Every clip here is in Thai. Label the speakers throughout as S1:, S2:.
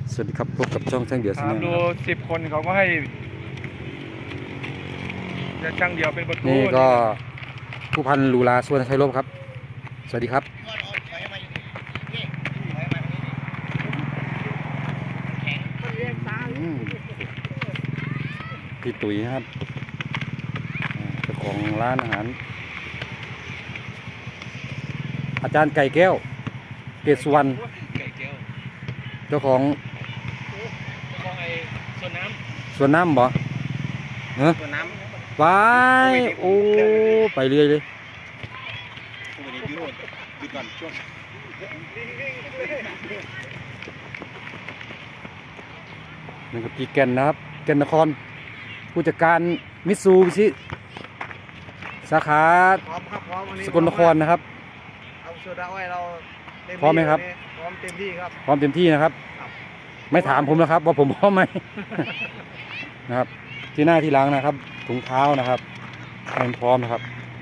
S1: สวัสดีครับพบกับช่องช่างเดี่ยว
S2: ถามดู10 คนเขาก็ให้จะช่างเดียวเป็นประตู
S1: นี่ก็ผู้พันลูลาส่วนชัยรบครับสวัสดีครับพี่ตุ๋ยครับเจ้าของร้านอาหารอาจารย์ไก่แก้วเกศสุวรรณเจ้าของ
S2: ไอ้ส่วนน้
S1: สวนน้ำบ่เฮ้ย
S2: ำส่วนน้ำ
S1: ไปโอ้ไปเรื่อยเลยนี่ครับพี่แก่นนะครับแก่นนครผู้จัดการมิตซูบิชิสาขา
S2: พร้อมครับพร้อมวันนี้
S1: สกลนครนะครับ
S2: เอาโซดาไว้เราเต็มที่
S1: พร้อมไหมครับ
S2: พร้อมเต็มที่ครับ
S1: พร้อมเต็มที่นะครับ
S2: ครับ
S1: ไม่ถามผมนะครับว่าผมพร้อมไหม นะครับที่หน้าที่หลังนะครับถุงเท้านะครับให้มันพร้อมนะครับ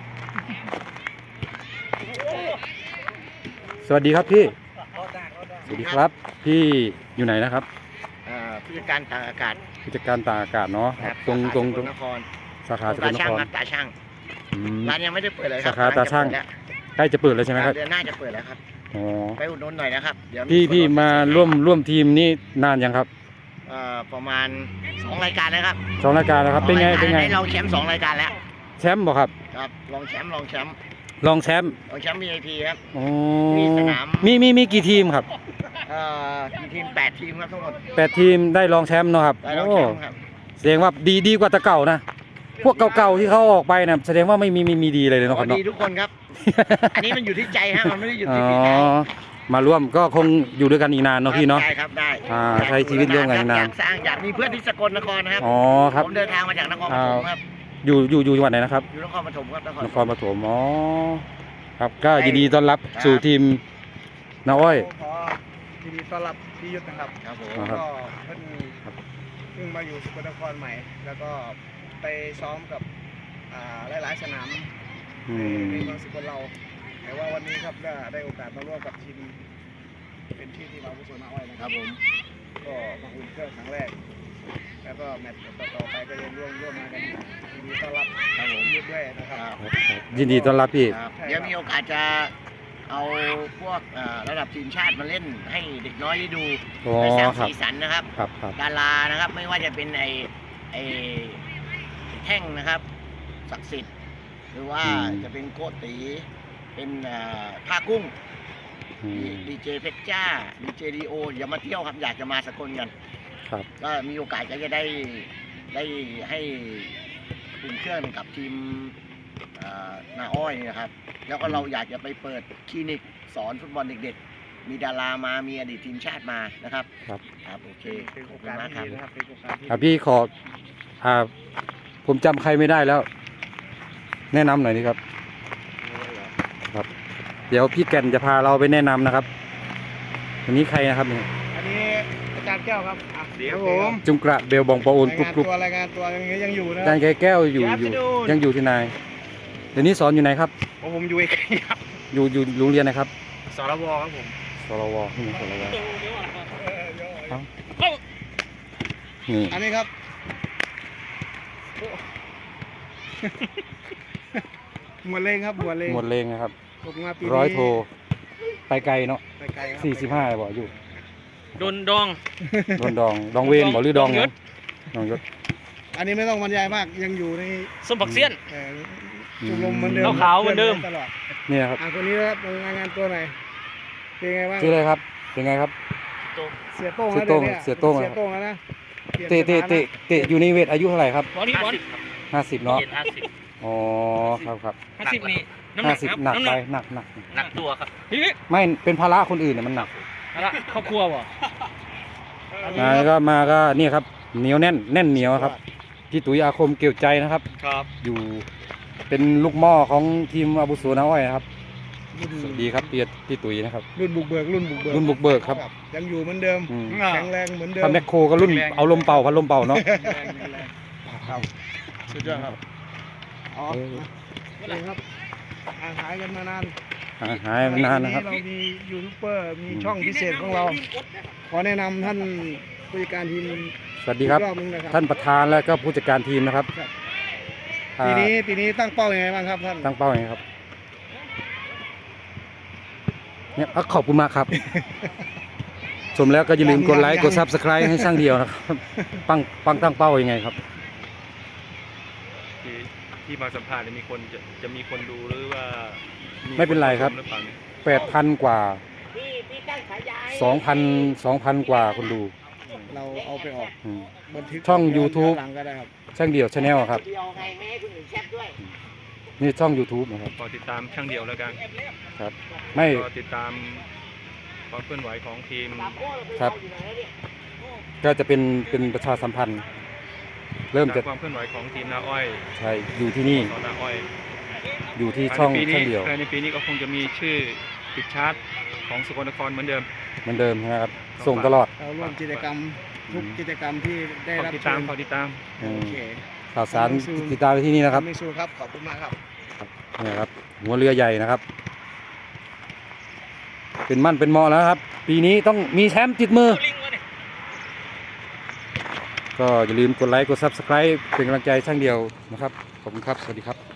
S1: สวัสดีครับพี่สวัสดีครับพี่อยู่ไหนนะครับ
S2: ผู้จัดการต่างอากาศ
S1: ผู้จัดการตากอากาศเนาะครับตรง
S2: สกลนคร
S1: สาขาสก
S2: ตา
S1: ลน
S2: ช่าง
S1: คร
S2: ครับตาช่าง
S1: อืม
S2: ร้านยังไม่ได้เปิดเลยครั
S1: สาขาตาช่าง ใกล้จะเปิดแล้วใช่ไหมครับ
S2: เดือนหน้าจะเปิดแล้วครับ
S1: อ๋อ
S2: ไปอุดหนุนหน่อยนะครับเดี๋ยว
S1: พี่มาร่วมทีมนี่นานยังครับ
S2: ประมาณ2 รายการแล้วครับ
S1: 2 รายการแล้วครับเป็นไง
S2: ให้เราแชมป์2 รายการแล้ว
S1: แชมป์บ่ครับ
S2: ครับลองแชมป์
S1: รองแชมป์
S2: ลองแชมป์ VIP ครับ
S1: อ๋อ
S2: มีสนาม
S1: มีกี่ทีมครับ
S2: กี่ทีม8 ทีมครับทั้งหมด
S1: 8 ทีมได้รองแชมป์เนาะครับ
S2: ได้รอง
S1: โอ้
S2: แชมป์ครับ
S1: แสดงว่าดีกว่าแต่เก่านะพวกเก่าๆที่เขาออกไปนะแสดงว่าไม่มีดีเลยเนาะครับ
S2: ดี
S1: เนาะ
S2: ทุกคนครับ อันนี้มันอยู่ที่ใจฮะมันไม่ได้อยู่
S1: อ๋อ
S2: ที่ฝีเท้า
S1: มาร่วมก็คงอยู่ด้วยกันอีกนานเนาะพี่เนาะ
S2: ได้ครับได้
S1: ใช้ชีวิตร่วมกันนาน
S2: อยากสร้างอยากมีเพื่อนที่สกลนครนะครับ
S1: อ๋อครับ
S2: ผมเดินทางมาจากนครปฐมครับ
S1: อยู่จังหวัดไหนนะครับ
S2: อยู่นครปฐมครับนคร
S1: นครปฐมอ๋อครับก็ยินดีต้อนรับสู่ทีมนาอ้อย
S3: ขอยินดีต้อนรับพี่ยุทธนะครับ
S2: ครับผม
S1: ครับ
S3: ก็เพิ่งมาอยู่สกลนครใหม่ แล้วก็ไปซ้อมกับหลายๆสนาม
S1: อื
S3: ใน
S1: ม
S3: เมืองสกลเรา แต่ว่าวันนี้ครับได้โอกาสมาร่วมกับทีมเป็นที่เราผู้สนอ้อยนะ
S2: ค
S3: ค
S2: รั
S3: รั
S2: บบ ผม
S3: ก็มาอุ่นเครื่องครั้งแรก แล้วก็แมตช์ต่อๆไปก็ยังร่วมมากันยินดีต้อนรับ
S2: ครับผม
S3: พี่ยุทธด้วยนะครับ
S1: ยินดีต้อนรับพี่
S2: ครับเดี๋ยวมีโอกาสจะเอาพวกระดับทีมชาติมาเล่นให้เด็กน้อยได้ดู
S1: อ๋อ
S2: ไปสร้าง
S1: ครับ
S2: สีสันนะครับ
S1: ครับ
S2: ดารานะครับไม่ว่าจะเป็นไอแท่งนะครับศักดิ์สิทธิ์หรือว่าจะเป็นโกตีเป็นท่ากุ้ง
S1: อืม
S2: ดีเจเพชรจ้าดีเจดีโออย่ามาเที่ยวครับอยากจะมาสกลกัน
S1: ครับ
S2: ก็มีโอกาสก็จะได้ให้อุ่นเครื่องกับทีมนาอ้อยนี่นะครับ แล้วก็เราอยากจะไปเปิดคลินิกสอนฟุตบอลเด็กๆ มีดารามามีอดีตทีมชาติมานะครับ
S1: ครับ
S2: ครับโอเค
S3: เป็น
S2: ข
S3: โอ
S2: อบคุณ
S3: กาส
S2: มากค
S3: ที่
S2: รับ
S3: ดีนะครับเป็นโอกาสที่
S1: ครับพี่ขอผมจำใครไม่ได้แล้ว แนะนำหน่อยนี่ครับ ครับ เดี๋ยวพี่แก่นจะพาเราไปแนะนำนะครับวันนี้ใครนะครับเนี่ย
S3: อันนี้อาจารย์แก้วครับเดี๋ยวผม
S1: จุงกระเบลบองปะโอนกรุบกรุบ
S3: รายงานตัวยังอยู่นะ
S1: อาจารย์ไก่แก้วอยู่ยังอยู่ที่นายเดี๋ยวนี้สอนอยู่ไหนครับ
S3: ผมอยู่เอกครับ
S1: อยู่โรงเรียนไหนครับ
S3: สรวครับผม
S1: สรวที่ไหนสรวนี่
S3: อันนี้ครับหมวดเลงครับหมวดเลง
S1: หมดเลงนะครับ
S3: ผมมาปีนี้
S1: ร้อยโทไปไกลเนาะ
S3: ไปไกลครับ
S1: 45บอกอยู่
S4: โดนดอง
S1: โดนดองเวนบอกหรือดองเนี่ยดองยศ
S3: อันนี้ไม่ต้องบรรยายมากยังอยู่ใน
S4: สมบักเซียน
S3: ชมรมเหมือนเดิม
S4: ขาวๆเหมือนเดิม
S3: ตลอด
S1: นี่นะครับ
S3: คนนี้นะครับรายงานตัวหน่อยเป็นไงบ้าง
S1: ชื่ออะไรครับเป็นไงครับ
S3: เสียโต้ง
S1: เสียโต้ง
S3: นะดี๋วนี่
S1: เสียโต้ง
S3: เสียโต้งแล้วนะ
S1: เตะอยู่ในเวทอายุเท่าไหร่ครับ
S4: บอลนี่บอล
S1: 50เนาะ
S4: เจ็ด50
S1: อ๋อครับ
S4: 50นี่น้ำหนักครับ
S1: 50หนัก
S4: น้ำห
S1: ไป
S4: นัก
S1: หนัก
S4: หนักตัวครับพี่
S1: ไม่เป็นภาระคนอื่นเนี่ยมันหนัก
S4: อะไรครอบครัวบ่
S1: แล้วก็มาก็นี่ครับเหนียวแน่นเหนียวครับพี่ตุ๋ยอาคมเกี่ยวใจนะครับ
S4: ครับ
S1: อยู่เป็นลูกหม้อของทีมอาบุโสนาอ้อยนะครับสวัสดีครับพี่ตุ๋ยนะครับ
S3: รุ่นบุกเบิกรุ่นบุกเบิก
S1: รุ่นบุกเบิกครับ
S3: ยังอยู่เหมือนเดิม
S1: อืม
S3: แข็งแรงเหมือนเดิม
S1: ถ้าแมคโครก็รุ่นเอาลมเป่าพัดลมเป่าเนาะ
S3: สุดยอดครับอ๋อ
S1: เออ
S3: นี่ครับห่างหายกันมานาน
S1: หายมานานนะครับ
S3: เรามียูทูบเบอร์มีช่องพิเศษของเรา ขอแนะนำท่านผู้จัดการทีม
S1: สวัสดีครับ
S3: อีกรอบนึงนะครับ
S1: ท่านประธานและก็ผู้จัดการทีมนะครับ
S3: ครับ
S1: อ่า
S3: ปีนี้ตั้งเป้ายังไงบ้างครับท่าน
S1: ตั้งเป้าอย่างไรครับเนี่ยขอบคุณมากครับ ชมแล้วก็อย่าลืมกดไลค์กด Subscribe ให้ช่างเดียวนะครับปังตั้งเป้ายังไงครับ
S5: ที่มาสัมภาษณ์เนี่ยมีคนจะมีคนดูหรือว่า
S1: ไม่เป็นไรครับ
S5: หรือเปล่าเนี่ย
S1: 8,000 กว่า 2,000 กว่าคนดู
S3: เราเอาไปออก
S1: อืม
S3: บันทึก
S1: ช่อง YouTube
S3: หลังก็ได้ครับ
S1: ช่างเดียวชาแนลครับ
S2: เดียวไงไม่ให้คนอื่นแชทด้วย
S1: นี่ช่อง YouTube นะครับ
S5: ขอติดตามช่างเดียวแล้วกัน
S1: ครับ ไม่
S5: ก็ติดตามความเคลื่อนไหวของทีม
S1: ครับ ก็จะเป็นประชาสัมพันธ์ เริ่ม
S5: ตาม
S1: จะ
S5: ความเคลื่อนไหวของทีมนาอ้อย
S1: ใช่อยู่ที่นี่
S5: สอนนาอ้อย
S1: อยู่ที่ช่อง
S5: ภายในปีนี้
S1: ช่างเดียว
S5: ภายในปีนี้ก็คงจะมีชื่อติดชาร์ตของสกลนครเหมือนเดิม
S1: เหมือนเดิมนะครับ ส่งตลอด
S3: เราร่วมกิจกรรมทุกกิจกรรมที่ได้
S5: ขอ
S3: รับ
S5: ติด
S3: เชิ
S5: ตาม
S3: ญ
S5: ขอติดตาม
S1: อืม
S3: โอเค
S1: ข่าวสารติดตามไปที่นี่นะครับ
S3: มิสูครับ ขอบคุณมากครับ
S1: เนี่ยครับ หัวเรือใหญ่นะครับ เป็นมั่นเป็นเหมาะแล้วครับ ปีนี้ต้องมีแชมป์ติดมือ ก็อย่าลืมกดไลค์กด Subscribe เป็นกำลังใจช่างเดียวนะครับ ขอบคุณครับ สวัสดีครับ